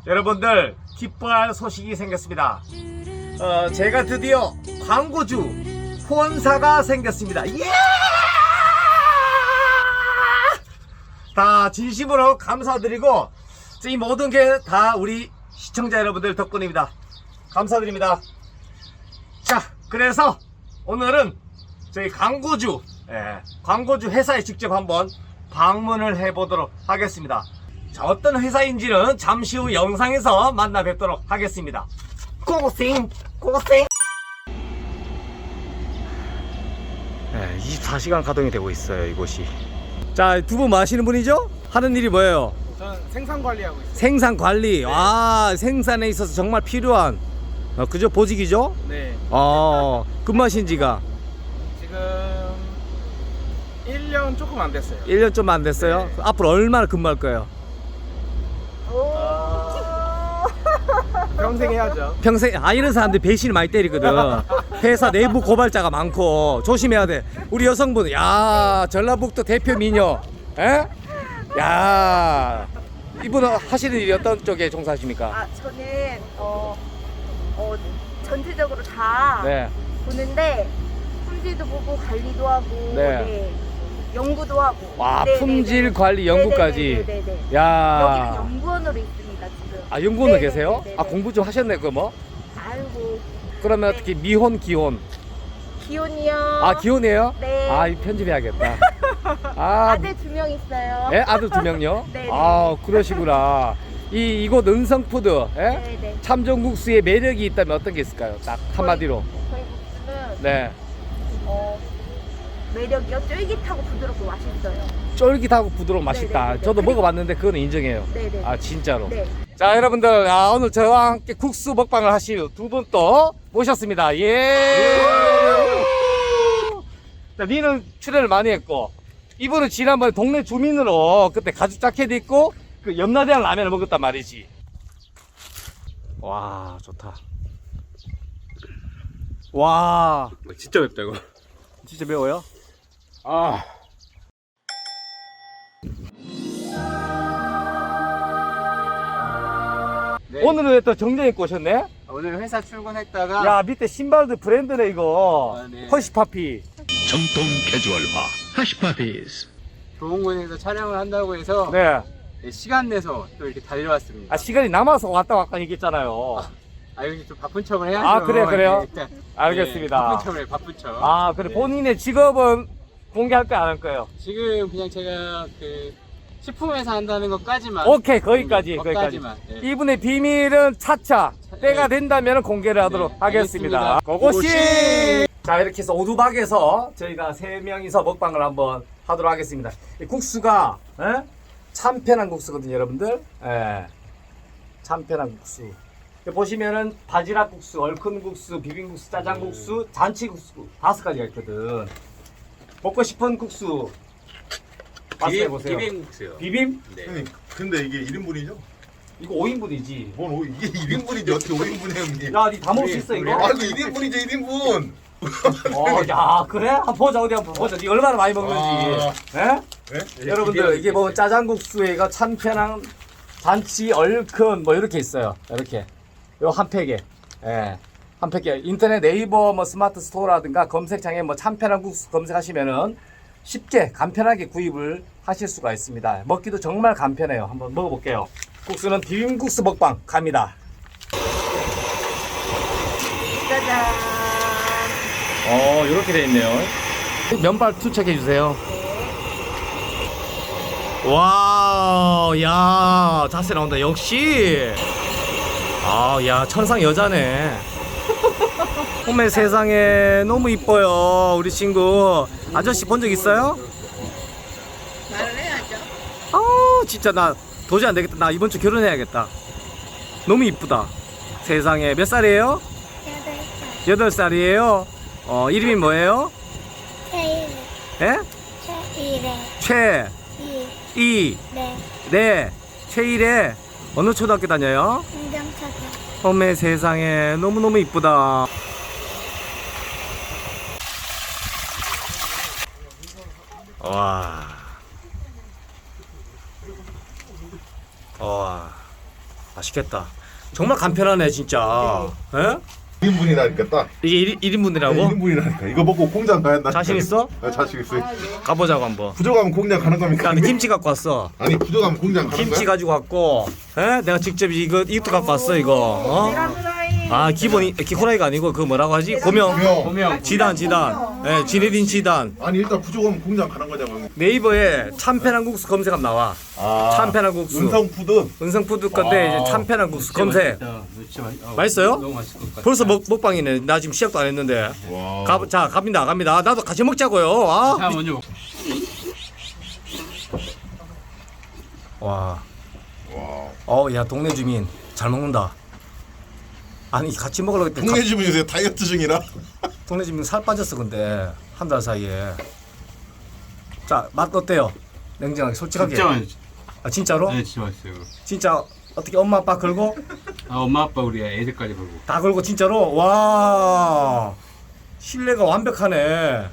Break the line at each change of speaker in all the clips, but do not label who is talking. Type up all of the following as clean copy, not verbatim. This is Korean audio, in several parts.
여러분들 기뻐할 소식이 생겼습니다. 제가 드디어 광고주 후원사가 생겼습니다. 예! 다 진심으로 감사드리고 이 모든 게 다 우리 시청자 여러분들 덕분입니다. 감사드립니다. 자, 그래서 오늘은 저희 광고주 회사에 직접 한번 방문을 해보도록 하겠습니다. 자, 어떤 회사인지는 잠시 후 영상에서 만나 뵙도록 하겠습니다. 고생 24시간 가동이 되고 있어요, 이곳이. 자, 두 분 뭐 하시는 분이죠? 하는 일이 뭐예요?
저는 생산 관리하고 있어요.
생산 관리. 네. 생산에 있어서 정말 필요한 그죠? 보직이죠?
네.
근무하신 지가
지금 1년 조금 안 됐어요.
1년 좀 안 됐어요?
네.
앞으로 얼마나 근무할 거예요?
평생 해야죠.
평생. 이런 사람들 배신을 많이 때리거든. 회사 내부 고발자가 많고 조심해야 돼. 우리 여성분, 전라북도 대표 미녀, 이분은 하시는 일이 어떤 쪽에 종사하십니까?
저는 전체적으로 다
네.
보는데 품질도 보고 관리도 하고
네.
연구도 하고.
품질 관리 연구까지.
네네네.
야.
여기는 연구원으로 있습니다 지금.
연구원으로
네네네네네.
계세요? 공부 좀 하셨네, 그 뭐?
아이고.
그러면
네.
어떻게 미혼, 기혼?
기혼이요.
기혼이에요?
네.
이 편집해야겠다.
아들 2명 있어요.
예? 아들 2명요?
네네.
그러시구나. 이곳 은성푸드,
네네.
참전국수의 매력이 있다면 어떤 게 있을까요? 딱 한마디로.
저희 국수는
네.
매력이요. 쫄깃하고 부드럽고 맛있어요.
쫄깃하고 부드러워 맛있다.
네네네네.
저도 먹어봤는데 그거는 인정해요.
네네.
진짜로.
네.
자, 여러분들, 오늘 저와 함께 국수 먹방을 하실 두 분 또 모셨습니다. 예. 자, 니는 출연을 많이 했고, 이분은 지난번에 동네 주민으로 그때 가죽 자켓 입고 그 염라대왕 라면을 먹었단 말이지. 와, 좋다. 와,
진짜 맵다 이거.
진짜 매워요?
네.
오늘은 왜 또 정장 입고 오셨네?
오늘 회사 출근했다가
밑에 신발도 브랜드네, 이거.
네.
허시파피.
정통 캐주얼화 하시파피스.
좋은 곳에서 촬영을 한다고 해서
네.
시간 내서 또 이렇게 달려왔습니다.
시간이 남아서 왔다 얘기했잖아요.
여기 좀 바쁜 척을 해야죠.
그래요?
네, 일단.
알겠습니다.
네, 바쁜 척을 바쁜 척.
그래.
네.
본인의 직업은 공개할 거야, 안 할 거예요?
지금 그냥 제가 그 식품회사 한다는 것까지만.
오케이, 거기까지.
거기까지만. 네.
이분의 비밀은 차차 때가
네.
된다면 공개를 하도록
네,
하겠습니다.
알겠습니다.
고고씨! 자, 이렇게 해서 오두박에서 저희가 3명이서 먹방을 한번 하도록 하겠습니다. 이 국수가 참 편한 국수거든요, 여러분들. 참 편한 국수. 보시면은 바지락 국수, 얼큰 국수, 비빔국수, 짜장국수, 잔치국수 5가지가 있거든. 먹고 싶은 국수 말씀해 보세요.
비빔국수요.
비빔?
네.
형님, 근데 이게 1인분이죠?
이거 5인분이지.
이게 1인분이지 어떻게 5인분이에요, 형님?
야, 니 다 먹을 수 있어 이거?
이거 1인분이죠, 1인분!
야, 그래? 한번 보자, 어디 한번 보자. 니 얼마나 많이 먹는지.
네?
여러분들, 이게 뭐 짜장국수에가 참 편한 잔치, 얼큰 뭐 이렇게 있어요. 이렇게. 요 한 팩에. 한 팩에. 인터넷 네이버 뭐 스마트 스토어라든가 검색창에 뭐 참 편한 국수 검색하시면은 쉽게 간편하게 구입을 하실 수가 있습니다. 먹기도 정말 간편해요. 한번 먹어볼게요. 국수는 비빔국수 먹방 갑니다.
짜잔.
이렇게 돼 있네요. 면발 투척해 주세요. 와, 야, 자세 나온다. 역시. 야, 천상 여자네. 어메 세상에, 너무 이뻐요, 우리 친구. 아저씨 본 적 있어요?
말을 해야죠.
진짜 나 도저히 안 되겠다. 나 이번 주 결혼해야겠다. 너무 이쁘다. 세상에. 몇 살이에요? 8살이에요. 이름이 뭐예요? 예?
최일의
최이
네
네, 최일의 어느 초등학교 다녀요?
행정차장
어메 세상에, 너무너무 이쁘다. 와. 맛있겠다. 정말 간편하네 진짜. 예?
1인분이라니까 딱.
이게 1인분이라고?
1인분이라니까. 이거 먹고 공장 가야 한다.
자신 있어?
자신 있어.
가보자고 한번.
부족하면 공장 가는 겁니까?
나는 김치 갖고 왔어.
아니 부족하면 공장 가는
김치
거야?
가지고 왔고, 에? 내가 직접 이것도 갖고 왔어 이거. 어? 아 기본이 기코라이가 아니고 그 뭐라고 하지? 고명.
보면
지단. 예, 지네딘 지단.
아니 일단 부족하면 공장 가는 거냐고.
네이버에 참패한 국수 검색하면 나와. 참패한 국수.
은성푸드.
은성푸드 건데 이제 참패한 국수 검색. 맛있어요?
너무 맛있을 것 같아.
벌써 먹방이네. 나 지금 시작도 안 했는데.
와.
자, 갑니다. 나도 같이 먹자고요. 아.
자 먼저 먹.
와.
와.
야, 동네 주민 잘 먹는다. 아니, 같이 먹으려고 했더니
동네 주민 요새 다이어트 중이라.
동네 주민 살 빠졌어, 근데. 한 달 사이에. 자, 맛 어때요? 냉정하게, 솔직하게.
진짜 맛있어.
아, 진짜로?
네, 진짜 맛있어요.
진짜 어떻게 엄마 아빠 걸고?
아 엄마 아빠 우리 애들까지 보고.
다 걸고 진짜로? 와. 신뢰가 완벽하네.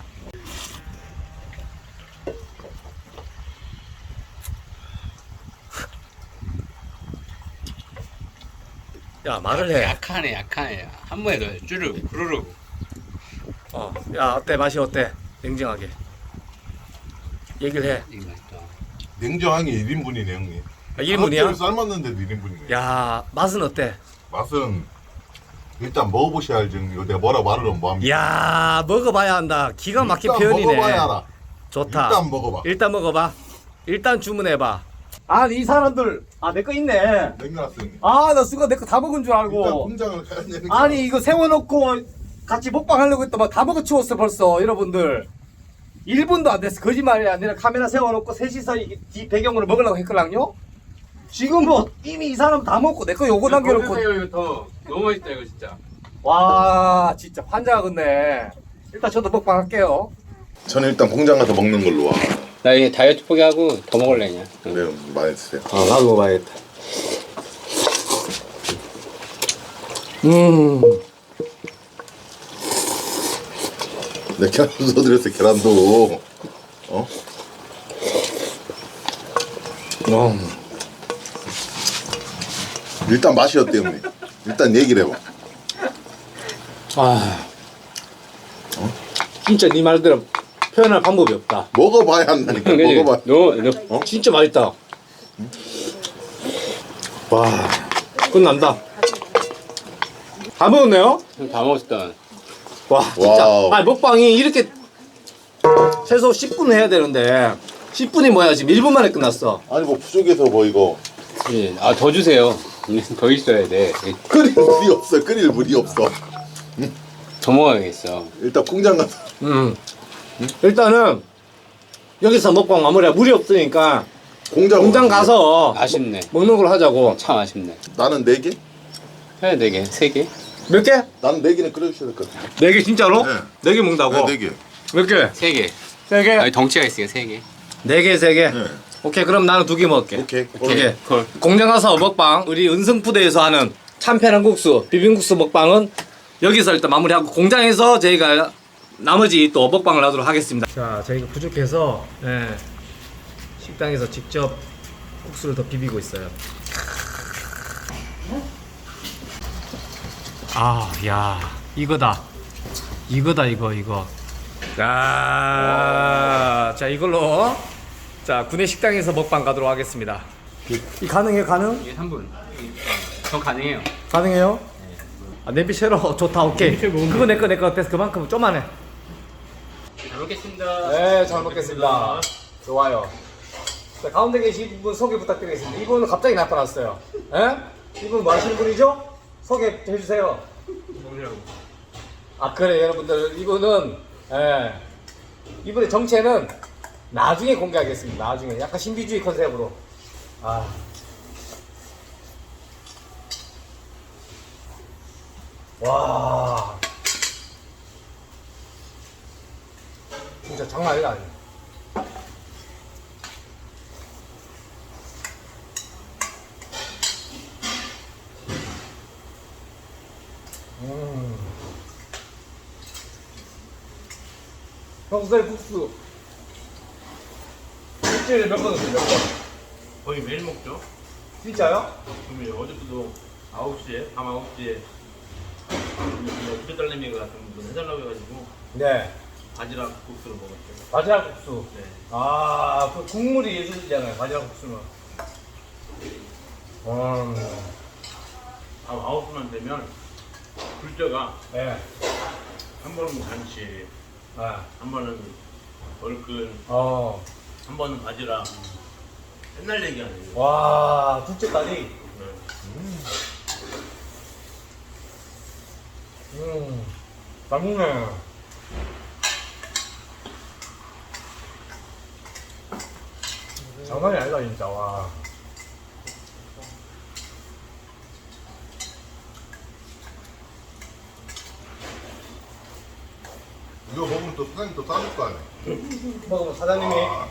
야, 말을 해.
약하네. 한 번에 넣어요. 쭈르 부르르.
야, 어때? 맛이 어때? 냉정하게. 얘기를 해.
이거 맛있다.
냉정하게 1인분이네 형님.
아, 1인분이야?
삶았는데도 1인분이네.
야, 맛은 어때?
맛은 일단 먹어보셔야 알지. 이거 내가 뭐라 말을 하면 뭐합니까?
야, 먹어봐야 한다. 기가 막힌
일단
표현이네.
먹어봐야 알아.
좋다.
일단 먹어봐.
일단 먹어봐. 일단 주문해봐. 아, 이 사람들. 아, 내 거 있네.
냉면왔어 형님.
아, 나 순간 내 거 다 먹은 줄
일단
알고.
공장을 가야 되는 거.
아니, 이거 세워놓고 같이 먹방 하려고 했더만 다 먹어 치웠어, 벌써. 여러분들. 1분도 안 됐어. 거짓말이 아니라 카메라 세워놓고 셋이서 뒤 배경으로 먹으려고 했거든요? 지금 뭐 이미 이 사람 다 먹고 내 거 요거 남겨놓고.
이거 더 너무 맛있다 이거 진짜.
와, 진짜 환장하겠네. 일단 저도 먹방 할게요.
저는 일단 공장 가서 먹는 걸로 와.
나 이게 다이어트 포기하고 더 먹을래 그냥.
네, 많이 드세요.
나도 먹어봐야겠다.
네, 계란도 넣어드렸어요. 계란도. 일단 맛이 어때요, 형님? 일단 얘기를 해봐.
진짜 네 말대로 표현할 방법이 없다.
먹어봐야 한다니까. 먹어봐.
너
진짜 맛있다. 와, 끝난다. 다 먹었네요?
다 먹었다.
와, 진짜.
와우.
아니, 먹방이 이렇게 최소 10분 해야 되는데 10분이 뭐야, 지금 1분 만에 끝났어.
아니 뭐 부족해서 뭐 이거
예. 아더 주세요. 더 있어야 돼.
끓일 물이 없어. 끓일 물이 없어.
더 먹어야겠어.
일단 공장 가서.
일단은 여기서 먹방 마무리야. 물이 없으니까 공장 가서
아쉽네.
먹는 걸 하자고.
참 아쉽네.
나는 4개?
해야 4개, 3개.
몇 개?
나는 4개는 끓여주셔야 될 것 같아.
4개 진짜로?
네.
4개 먹는다고?
네, 4개.
몇 개?
3개.
3개?
아니 덩치가 있으니까 3개.
4개, 3개?
네.
오케이, 그럼 나는 2개 먹을게.
오케이.
오케이.
콜.
공장 가서 먹방, 우리 은성푸드에서 하는 참패한 국수, 비빔국수 먹방은 여기서 일단 마무리하고 공장에서 저희가 나머지 또 먹방을 하도록 하겠습니다. 자, 저희가 부족해서 식당에서 직접 국수를 더 비비고 있어요. 아, 야, 이거다. 이거. 자, 이걸로 구내 식당에서 먹방 가도록 하겠습니다. 이 가능해요, 가능?
이게 3분. 더 가능해요.
가능해요? 아, 냄비 쉐러 좋다, 오케이. 그거 내 거 됐어. 그만큼 좀만 해.
잘 먹겠습니다.
네, 잘 먹겠습니다. 좋아요. 자, 가운데 계신 분 소개 부탁드리겠습니다. 이분은 갑자기 나타났어요. 예? 이분 뭐 하시는 분이죠? 소개 해주세요. 아, 그래, 여러분들. 이분은, 이분의 정체는 나중에 공개하겠습니다. 나중에. 약간 신비주의 컨셉으로. 와. 진짜 장난 아니다. 평소에 국수 일주일에 몇 번 드세요? 몇 번?
거의 매일 먹죠?
진짜요?
그러면 어제도 9시에 밤 9시에 부대딸내미가 같은 분 해달라고 해가지고
네.
바지락 국수를 먹었어요.
바지락 국수.
네.
아, 그 국물이 예술이잖아요. 바지락 국수는.
밤 9시만 되면 둘째가
네.
한 번은 잔치,
아,
한 번은 얼큰,
어.
한 번은 바지락. 옛날 얘기 아니에요.
와, 둘째까지.
네.
맛있네. 장난이 아니다, 진짜. 와.
이거 먹으면 또 사장님 또 싸줄 거 아니야.
먹으면 사장님이,
아,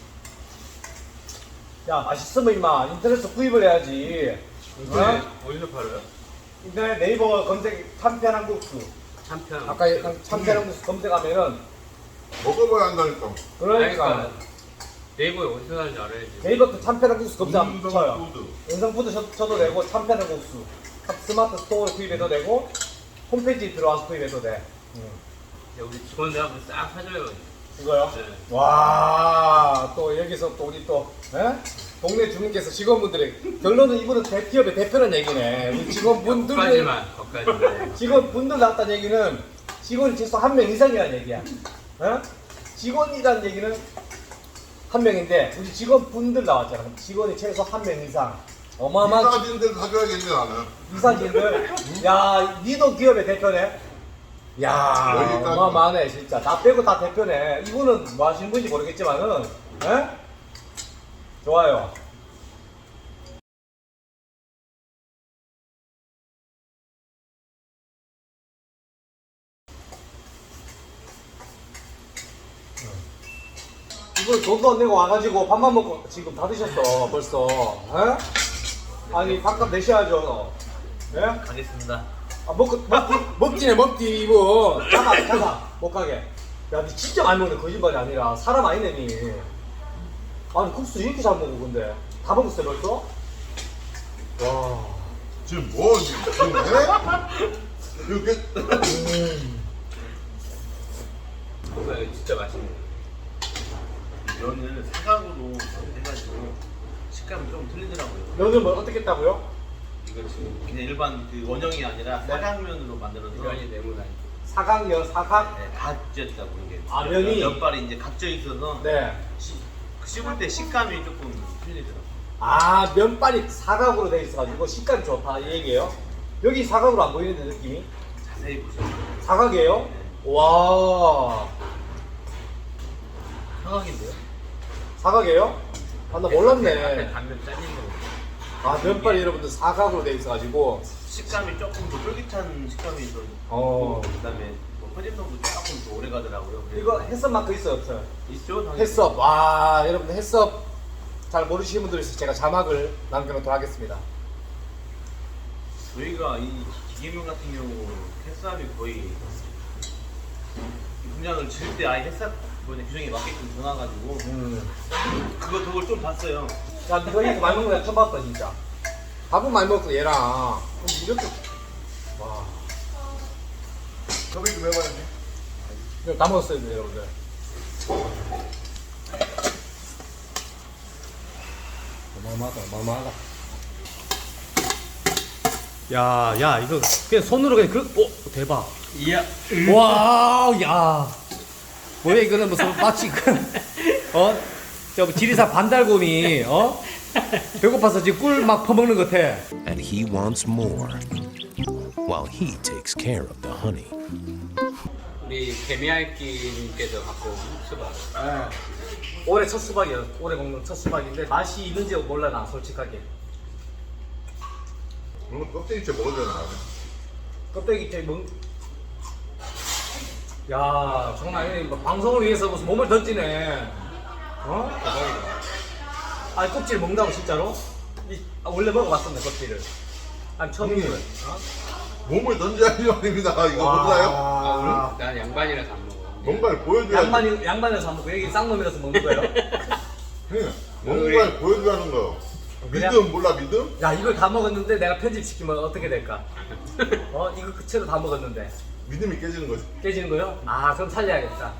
야, 맛있으면 임마, 인터넷에서 구입을 해야지. 어?
어디서 팔아요?
인터넷 네이버 검색, 참편한 국수.
참편.
아까 참편한 국수 검색하면은,
먹어봐야 한다니까.
그러니까.
네이버에 어디서 사는지 알아야지.
네이버 그 참편한 국수 검색하면 쳐요.
푸드.
은성푸드 쳐도 되고, 참편한 국수. 스마트 스토어를 구입해도 되고, 홈페이지 들어와서 구입해도 돼.
야, 우리 직원들 한번 싹 사줘요.
이거요?
네.
와, 또 여기서 또 우리 또, 에? 동네 주민께서 직원분들의 결론은 이분은 기업의 대표라는 얘기네. 우리 직원분들,
거기까지만.
직원분들 나왔다는 얘기는 직원이 최소 한 명 이상이라는 얘기야. 어? 직원이라는 얘기는 한 명인데, 우리 직원분들 나왔잖아. 직원이 최소 한 명 이상. 어마어마한
이사진들 가져야겠네 나는.
이사진들. 야, 니도 기업의 대표네. 야,
여기까지.
어마어마하네 진짜. 다 빼고 다 대표네. 이분은 뭐 하시는 분인지 모르겠지만은, 에? 좋아요. 이분 돈도 안 내고 와가지고 밥만 먹고 지금 다 드셨어 벌써. 에? 아니 밥값 내셔야죠. 예?
가겠습니다.
아, 먹지네 먹지 이분. 잠깐 못 가게. 야, 니 진짜 많이 먹네. 거짓말이 아니라 사람 아니네 니. 아니 국수 이렇게 잘 먹어. 근데 다 먹었어요 벌써? 와.
지금 뭐 지금 해? 이렇게
이거 진짜 맛있네.
면을 사각으로 해가지고 식감이 좀 틀리더라고요.
면을 뭐 어떻게 했다고요?
이거 지금 그냥 일반 그 원형이 아니라 사각면으로 만들어서
면이 네모나니.
사각면 사각?
네, 각졌다고 이게.
아, 면이?
면발이 이제 각져 있어서
네.
씹을 때 식감이 조금 틀리더라고요.
아, 면발이 사각으로 돼 있어가지고 식감이 좋다 이 얘기예요? 여기 사각으로 안 보이는데 느낌이?
자세히 보시면
사각이에요? 와.
사각인데요?
사각이에요? 아, 나
앞에
몰랐네.
단면 잘린 거.
아, 면발이 여러분들 사각으로 돼 있어가지고.
식감이 조금 더 쫄깃한 식감이 더
어.
있고 그다음에 뭐 퍼짐성도 조금 더 오래 가더라고요.
이거 햇섭 마크 있어요, 없어요?
있죠? 당연히.
햇섭. 와, 여러분들 햇섭 잘 모르시는 분들 있어서 제가 자막을 남겨놓도록 하겠습니다.
저희가 이 기계면 같은 경우 햇삽이 거의 분양을 지을 때 아예 햇삽 규정에 맞게끔 전화가지고 그걸 좀 봤어요.
야, 이거 많이 먹는 거 처음 봤다, 진짜. 밥은 많이 먹고 얘랑. 근데 이렇게. 와.
섭외 좀 해봐야지.
이거 다 먹었어요, 여러분들. 어마어마하다. 야, 이거 그냥 손으로 그냥 대박.
이야.
와우, 야. 뭐야, 이거는 무슨 마치 저 지리산 반달곰이, 배고파서 지금 꿀 막 퍼먹는 것 같아.
And he wants more, while he takes care of the honey.
우리 개미알기님께서 갖고 온 수박.
올해 첫 수박이에요. 올해 먹는 첫 수박인데 맛이 있는지 몰라 나 솔직하게.
그러면 껍데기째 먹어야 되나?
껍데기 째 야, 정말 아니네. 뭐 방송을 위해서 무슨 몸을 던지네. 대박이다. 아니 껍질 먹는다고 진짜로? 원래 먹어봤었네 껍질을. 아니 처음이에요.
몸을 던져야지 아닙니다. 이거 몰라요?
아, 난 양반이라서 안 먹어.
뭔가를 보여줘야지.
양반에서 안 먹고 여기 쌍놈이라서 먹는 거예요?
뭔가를 보여주라는 거.
그냥-
믿음 몰라 믿음?
야 이걸 다 먹었는데 내가 편집시키면 어떻게 될까? 이거 그채로 다 먹었는데
믿음이 깨지는 거지.
깨지는 거요? 아 그럼 살려야겠다.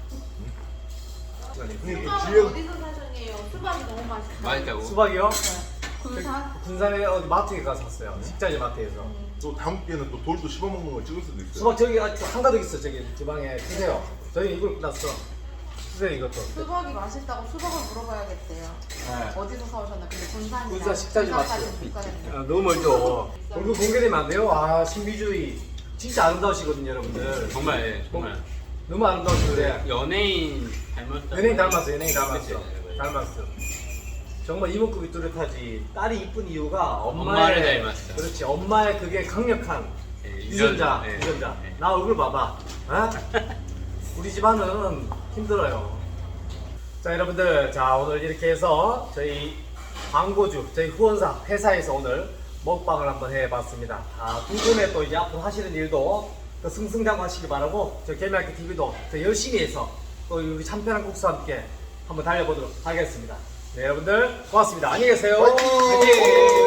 형님 또
수박은
주위에
어디서 사셨네요? 수박이 너무 맛있어요.
맛있다고?
수박이요?
군산?
군산에 어디 마트에 가서 샀어요. 식자재 마트에서.
또 다음 기회는 또 돌도 씹어 먹는 거 찍을 수도 있어요.
수박 저기 한가득 있어. 저기 주방에 주세요. 저희 이걸 끝났어. 주세요 이것도.
수박이 맛있다고 수박을 물어봐야겠대요.
네.
어디서 사오셨나? 근데 군산이라.
군산 식자재 마트.
군산까지 못 가겠네요.
너무 멀죠. 얼굴 공개되면 안 돼요. 아 신비주의. 진짜 아름다우시거든요 여러분들.
정말 예, 정말
너무 아름다우시는데.
연예인 닮았다.
연예인 닮았어. 연예인 닮았어.
그치, 네,
닮았어. 정말 이목구비 뚜렷하지. 딸이 이쁜 이유가
엄마를 닮았어.
그렇지. 엄마의 그게 강력한
예,
유전자.
예,
유전자.
예.
나 얼굴 봐봐. 어? 우리 집안은 힘들어요. 자 여러분들, 자 오늘 이렇게 해서 저희 광고주, 저희 후원사 회사에서 오늘 먹방을 한번 해봤습니다. 두 분의 또 이제 앞으로 하시는 일도 더 승승장구하시기 바라고, 저희 개미학교 TV도 더 열심히 해서 또 우리 참편한 국수와 함께 한번 달려보도록 하겠습니다. 네 여러분들 고맙습니다. 안녕히 계세요.
화이팅!
화이팅!